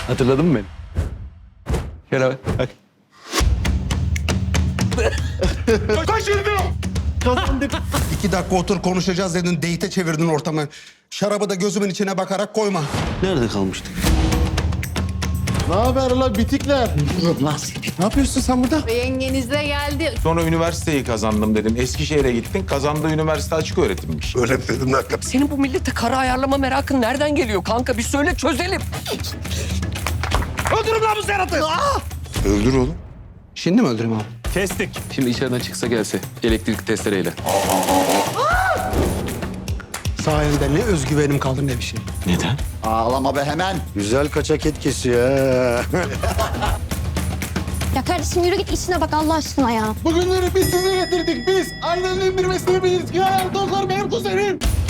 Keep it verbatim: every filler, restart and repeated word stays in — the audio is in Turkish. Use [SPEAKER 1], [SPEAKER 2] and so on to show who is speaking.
[SPEAKER 1] Hatırladın mı beni? Şöyle bak. bak.
[SPEAKER 2] İki dakika otur konuşacağız dedin. Date'e çevirdin ortamı. Şarabı da gözümün içine bakarak koyma.
[SPEAKER 1] Nerede kalmıştık?
[SPEAKER 3] Ne haber lan bitikler? Ne yapıyorsun sen burada?
[SPEAKER 4] Yengeniz de geldi.
[SPEAKER 5] Sonra üniversiteyi kazandım dedin. Eskişehir'e gittin. Kazandığı üniversite açık öğretimmiş.
[SPEAKER 2] Öyle mi dedim lan?
[SPEAKER 6] Senin bu millete kara ayarlama merakın nereden geliyor kanka? Bir söyle çözelim. Öldürün lan bu Serhat'ı!
[SPEAKER 2] Öldür oğlum. Şimdi mi öldüreyim abi?
[SPEAKER 1] Kestik. Şimdi içeriden çıksa gelse elektrik testereyle.
[SPEAKER 2] Sayende ne özgüvenim kaldı ne bir şey.
[SPEAKER 1] Neden?
[SPEAKER 3] Ağlama be hemen. Güzel kaçak et kesiyor ha.
[SPEAKER 7] Ya kardeşim yürü git işine bak Allah aşkına ya.
[SPEAKER 3] Bugünleri biz size getirdik biz. Aynen indirmesini biliriz. Ya doktor benim kuzenim.